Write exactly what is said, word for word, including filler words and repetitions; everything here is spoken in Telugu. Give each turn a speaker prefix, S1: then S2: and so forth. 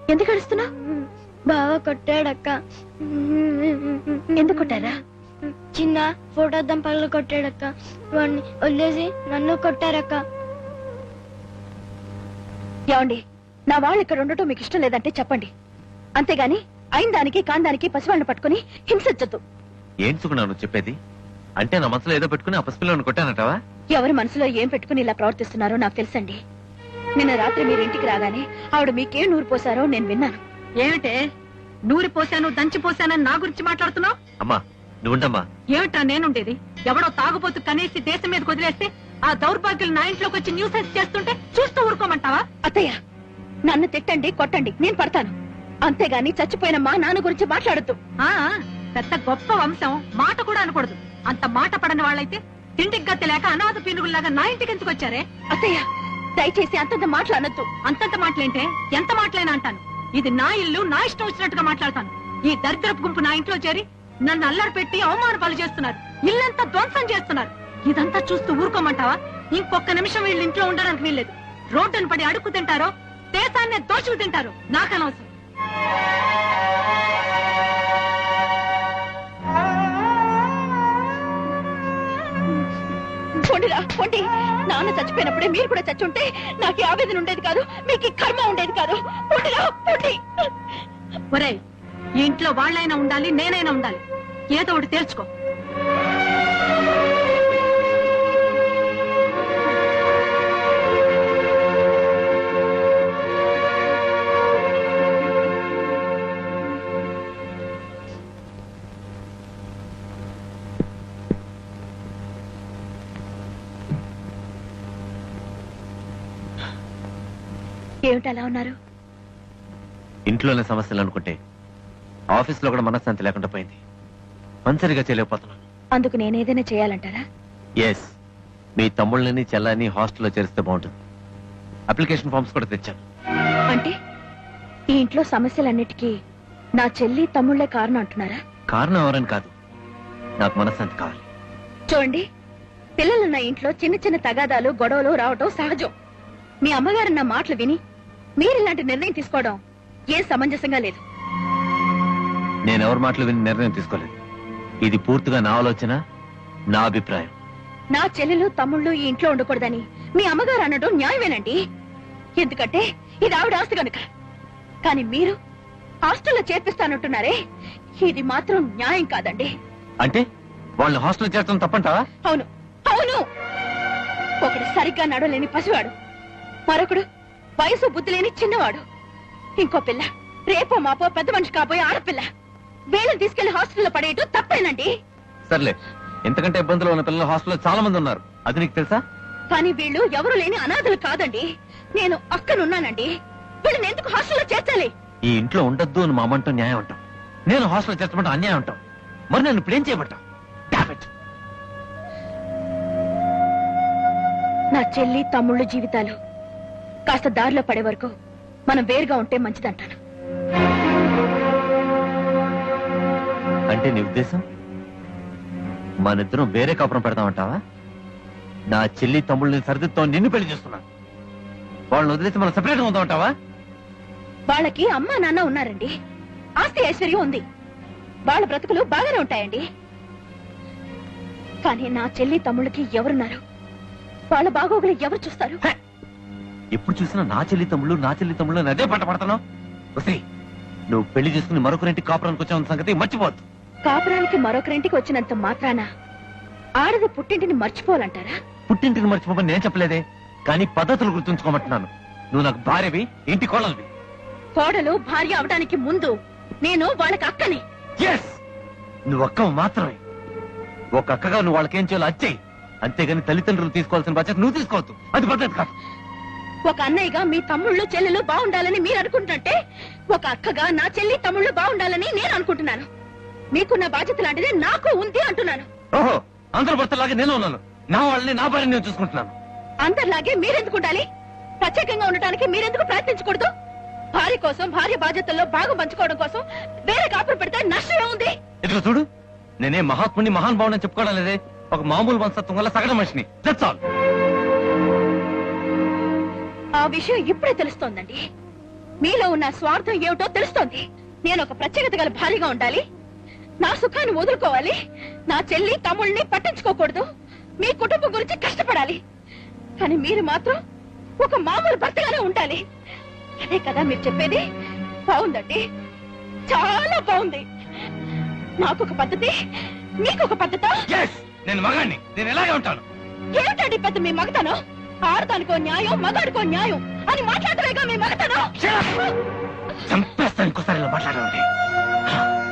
S1: ఎందుకు అడుస్తున్నావు?
S2: బాగా కొట్టాడక్క.
S1: ఎందుకు కొట్టారా?
S2: చిన్న ఫోటో దంపలు కొట్టాడక్క. వాడిని వదిలేసి నన్ను కొట్టారక్క.
S1: ఏమండి, నా వాళ్ళు ఇక్కడ ఉండటం మీకు ఇష్టం లేదంటే చెప్పండి, అంతేగాని అయిన దానికి కాందానికి పసివాళ్ళని పట్టుకుని హింసించొద్దు.
S3: ఏం సుగుణాను చెప్పేది? అంటే నా మనసులో ఏదో పెట్టుకుని ఆ పసిపిల్లని కొట్టానటవా?
S1: ఎవరి మనసులో ఏం పెట్టుకుని ఇలా ప్రవర్తిస్తున్నారో నాకు తెలుసండి. నిన్న రాత్రి మీరు ఇంటికి రాగానే ఆవిడ మీకేం నూరు పోసారో నేను విన్నాను.
S4: ఏమిటే నూరి పోసాను దంచి పోసానని నా గురించి మాట్లాడుతున్నావు?
S3: అమ్మా నువ్వుండమ్మా.
S4: ఏమిటా నేనుండేది? ఎవడో తాగుబోతు కనేసి దేశం మీద వదిలేస్తే ఆ దౌర్భాగ్యులు నా ఇంట్లోకి వచ్చి న్యూసెన్స్ చేస్తుంటే చూస్తూ ఊరుకోమంటావా?
S1: అత్తయ్య, నన్ను తిట్టండి కొట్టండి, నేను పడతాను. అంతేగాని చచ్చిపోయిన మా నాన్న గురించి మాట్లాడద్దు.
S4: ఆ పెద్ద గొప్ప వంశం, మాట కూడా అనకూడదు. అంత మాట పడని వాళ్ళైతే తిండికి గతి లేక అనాథ పీనుగుల్లాగా నా ఇంటికి ఎందుకు వచ్చారే?
S1: అత్తయ్య, దయచేసి అంతంత మాటలు అనొద్దు.
S4: అంతంత మాటలేంటే ఎంత మాటలైనా అంటాను. ఇది నా ఇల్లు, నా ఇష్టం వచ్చినట్టుగా మాట్లాడతాను. ఈ దరిద్రపు గుంపు నా ఇంట్లో చేరి నన్ను అల్లరి పెట్టి అవమాన పాలు చేస్తున్నారు, ఇల్లంతా ధ్వంసం చేస్తున్నారు. ఇదంతా చూస్తూ ఊరుకోమంటావా? ఇంకొక నిమిషం వీళ్ళు ఇంట్లో ఉండడానికి వీల్లేదు. రోడ్డును పడి అడుక్కు తింటారో దేశాన్ని దోచుకు తింటారో నాకు అనవసరం.
S1: పొండిరా పొండి, నాన్న చచ్చిపోయినప్పుడే మీరు కూడా చచ్చుంటే నాకు ఈ ఆవేదన ఉండేది కాదు, మీకు ఈ కర్మ ఉండేది కాదు. పొండిరా పొండి.
S4: ఒరేయ్, ఈ ఇంట్లో వాళ్ళైనా ఉండాలి, నేనైనా ఉండాలి. ఏదో ఒకటి తేల్చుకో.
S1: ఏమిటి అలా ఉన్నారు?
S3: ఇంట్లోనే సమస్యలు అనుకుంటే ఆఫీస్ లో కూడా మనశ్శాంతి లేకుండా పోయింది. పనిసరిగా చేయలేకపోతున్నాను.
S1: అందుకు నేనేదైనా చేయాలంటారా?
S3: ఎస్, మీ తమ్ముళ్ళని చెల్లని హాస్టల్లో చేరిస్తే బాగుంటుంది. అప్లికేషన్ ఫామ్స్ కూడా తెచ్చాను.
S1: అంటే ఈ ఇంట్లో సమస్యలన్నిటికీ నా చెల్లి తమ్ముళ్లే కారణం అంటున్నారా?
S3: కారణం ఎవరని కాదు, నాకు మనశ్శాంతి కావాలి.
S1: చూడండి, పిల్లలున్న ఇంట్లో చిన్న చిన్న తగాదాలు గొడవలు రావటం సహజం. మీ అమ్మగారు నా మాటలు విని మీరు ఇలాంటి నిర్ణయం తీసుకోవడం ఏం సమంజసంగా లేదు.
S3: నేనెవరి మాటలు విని నిర్ణయం తీసుకోలేదు. ఇది పూర్తిగా నా ఆలోచన, నా అభిప్రాయం.
S1: నా చెల్లెలు తమ్ముళ్ళు ఈ ఇంట్లో ఉండకూడదని మీ అమ్మగారు అనడం న్యాయమేనండి. ఎందుకంటే ఇది ఆవిడ ఆస్తి కనుక. కానీ మీరు హాస్టల్లో చేర్పిస్తానంటున్నారే, ఇది మాత్రం న్యాయం కాదండి.
S3: అంటే వాళ్ళు హాస్టల్ చేర్చడం తప్పంటావా?
S1: అవును అవును. ఒకడు సరిగ్గా నడవలేని పసివాడు, మరొకడు వయసు బుద్ధి లేని చిన్నవాడు, ఇంకో పిల్ల రేపో మాపో పెద్ద మనిషి కాబోయే ఆడపిల్ల. వీళ్ళని తీసుకెళ్లి హాస్టల్లో పడేయటం తప్పేనండి.
S3: సర్లే, ఎంతకంటే ఇబ్బందులు ఉన్న పిల్లలు హాస్టల్లో చాలా మంది ఉన్నారు, అది నీకు తెలుసా?
S1: కానీ వీళ్ళు ఎవరు లేని అనాథలు కాదండి. నేను అక్కనున్నానండి. వీళ్ళని ఎందుకు హాస్టల్లో చేర్చాలి?
S3: ఈ ఇంట్లో ఉండద్దు అని మా అమ్మంటూ న్యాయం అంటాం, నేను హాస్టల్లో చేర్చమంటూ అన్యాయం అంటాం. మరి నేను ఇప్పుడు ఏం చేయబట్టాం?
S1: నా చెల్లి తమ్ముళ్ళు జీవితాలు కాస్త దారిలో పడే వరకు మనం వేరుగా ఉంటే మంచిదంటాను.
S3: అంటే నీ ఉద్దేశం మనిద్దరం వేరే కాపురం పెడతామంటావా? నా చెల్లి తమ్ముళ్ళని సరిదిద్దాం, నిన్ను పెళ్లి చేస్తున్నాను. వాళ్ళని వదిలేసి మనం సెపరేట్ గా ఉందామంటావా?
S1: వాళ్ళకి అమ్మా నాన్న ఉన్నారండి, ఆస్తి ఐశ్వర్యం ఉంది, వాళ్ళ బ్రతుకులు బాగానే ఉంటాయండి. కానీ నా చెల్లి తమ్ముళ్ళకి ఎవరున్నారు? వాళ్ళ బాగోగులు ఎవరు చూస్తారు?
S3: ఎప్పుడు చూసినా నా చెల్లి తమ్ముళ్ళు నా చెల్లి తమ్ముళ్ళు అని అదే పంట పడతాను. నువ్వు పెళ్లి చేసుకుని మరొకరింటికి కాపురానికి వచ్చావు సంగతి మర్చిపోవద్దు.
S1: కాపురానికి మరొకరింటికి వచ్చినంత మాత్రాన ఆడది పుట్టింటిని మర్చిపోవాలంటారా?
S3: పుట్టింటిని మర్చిపోమని నేను చెప్పలేదే, కానీ పద్ధతులు గుర్తుంచుకోమంటున్నాను. నువ్వు నాకు భార్యవి, ఇంటి కోడలివి.
S1: కోడలు భార్య అవడానికి ముందు నేను వాళ్ళకి అక్కని.
S3: ఎస్, నువ్వు అక్క మాత్రమే. ఒక అక్కగా నువ్వు వాళ్ళకేం చేయాలో అచ్చేయి, అంతేగాని తల్లిదండ్రులు తీసుకోవాల్సిన బాధ్యత నువ్వు తీసుకోవద్దు. అది పద్ధతి కాదు.
S1: ఒక అన్నయ్యగా మీ తమ్ముళ్ళు చెల్లెలు బాగుండాలని మీరు అనుకుంటుంటే, ఒక అక్కగా నా చెల్లి తమ్ముళ్ళు బాగుండాలని నేను అనుకుంటున్నాను. మీకున్న బాధ్యత లాంటిదే నాకు ఉంది అంటున్నాను.
S3: ఓహో, అందరు భర్తలాగే నేను ఉన్నాను. నా వాళ్ళని నా భార్యని నేను చూసుకుంటున్నాను.
S1: అందరిలాగే మీరెందుకు ఉండాలి? ప్రత్యేకంగా ఉండటానికి మీరెందుకు ప్రయత్నించకూడదు? భార్య కోసం, భార్య బాధ్యతల్లో భాగం పంచుకోవడం కోసం వేరే కాపురం పెడితే నష్టమే ఉంది.
S3: ఇదిగో చూడు, నేనే మహాత్ముని మహానుభావుని చెప్పుకోవడం లేదే, ఒక మామూలు వంశత్వం వల్ల సగటు మనిషిని. That's all.
S1: ఆ విషయం ఇప్పుడే తెలుస్తోందండి. మీలో ఉన్న స్వార్థం ఏమిటో తెలుస్తోంది. నేను ఒక ప్రత్యేకత గల భార్యగా ఉండాలి, నా సుఖాన్ని వదులుకోవాలి, నా చెల్లి తమ్ముళ్ళని పట్టించుకోకూడదు, మీ కుటుంబం గురించి కష్టపడాలి. కానీ మీరు మాత్రం ఒక మామూలు భర్తగానే ఉండాలి. అదే కదా మీరు చెప్పేది? బాగుందండి, చాలా బాగుంది. నాకొక పద్ధతి, మీకొక పద్ధత.
S3: నేను మగాన్ని, నేను ఎలాగే ఉంటాను.
S1: ఏమిటండి పెద్ద మీ మగతనం? ఆడదానికో న్యాయం, మగాడికో న్యాయం అని మాట్లాడలేగా మీ మగతనం.
S3: చంపేస్తాను ఇంకోసారి ఇలా మాట్లాడాలంటే.